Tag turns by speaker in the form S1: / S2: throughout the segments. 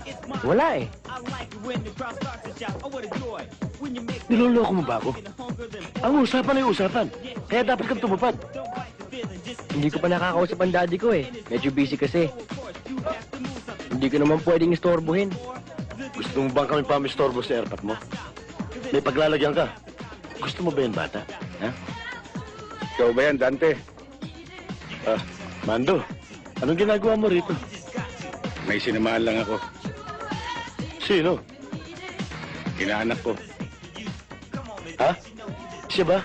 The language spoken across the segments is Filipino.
S1: Wala eh.
S2: Niloloko mo ba ako? Ang usapan ay usapan. Kaya dapat kang tumupad.
S1: Hindi ko pa nakakausap ang daddy ko eh. Medyo busy kasi. Hindi ko naman pwedeng istorbohin.
S2: Gusto mo bang kami pamistorbo sa airpot mo? May paglalagyan ka. Gusto mo ba yan, bata? Ha?
S3: Ikaw ba yan, Dante?
S2: Mando, anong ginagawa mo rito?
S3: May sinamahan lang ako.
S2: Sino?
S3: Inaanak ko.
S2: Ha? Siya ba?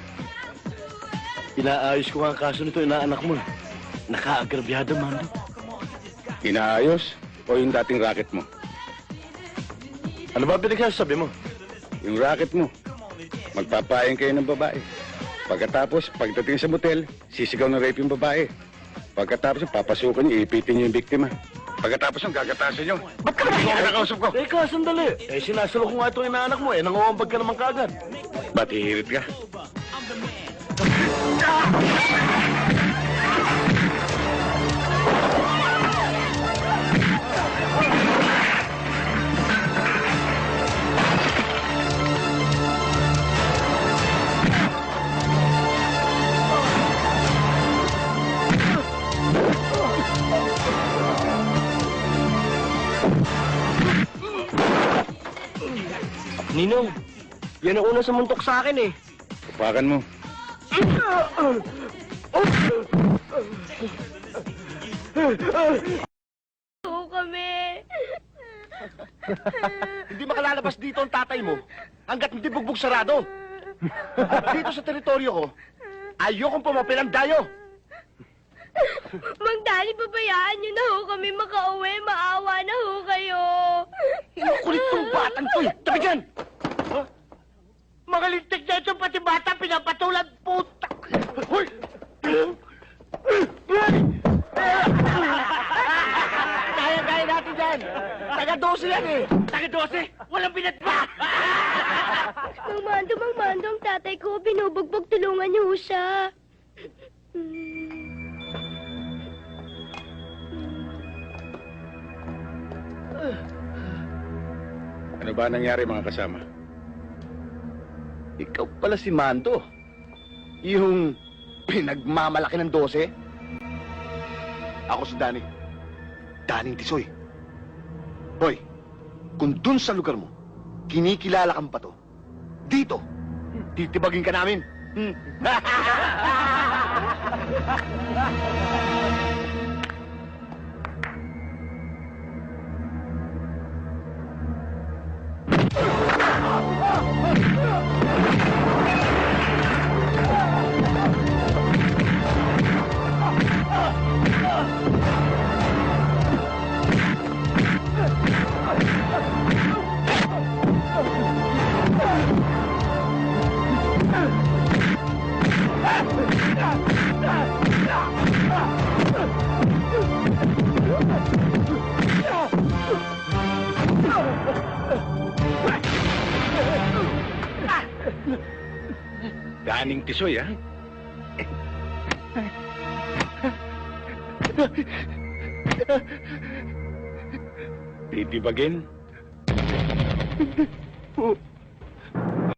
S2: Inaayos ko nga ang kaso nito, inaanak mo. Nakaagrabyado, Mando.
S3: Inaayos o yung dating racket mo?
S2: Ano ba pinagsasabi mo?
S3: Yung racket mo. Magpapayan kayo ng babae. Pagkatapos, pagdating sa motel, sisigaw ng rape yung babae. Pagkatapos, papasukan niyo, ipitin niyo yung biktima. Pagkatapos yung gagatasan niyo.
S2: Ba't ka nakausap ko? Teka, sandali. Sinasalo ko nga itong inaanak mo, nanguambag ka naman kaagad.
S3: Ba't hihirit ka?
S1: Ninong, yan ang unang sumuntok sa akin eh.
S3: Upakan mo.
S4: Oo kami.
S2: Hindi makalalabas dito ang tatay mo hanggat hindi bugbog sarado. At dito sa teritoryo ko, ayokong pumapil ang dayo.
S4: Mang Dali, babayaan niyo na ho kami makauwi. Maawa na ho kayo.
S2: Kulit tong batang to eh. Tabi dyan!
S5: Mga lintik na ito, pati bata, pinapatulan, puta!
S2: Hoy!
S5: Kaya natin yan! Taga-12 yan eh! Taga-12? Walang binatba!
S4: Mang Mando, ang tatay ko, binubugbog, tulungan niyo ho siya.
S3: Ano ba nangyari mga kasama?
S2: Ikaw pala si Mando. Yung pinagmamalaki ng 12. Ako si Danny. Daning Tisoy. Hoy, kung dun sa lugar mo, kinikilala kang bato, dito, titibagin ka namin.
S3: Daning Tisoy, ha? Titibagin?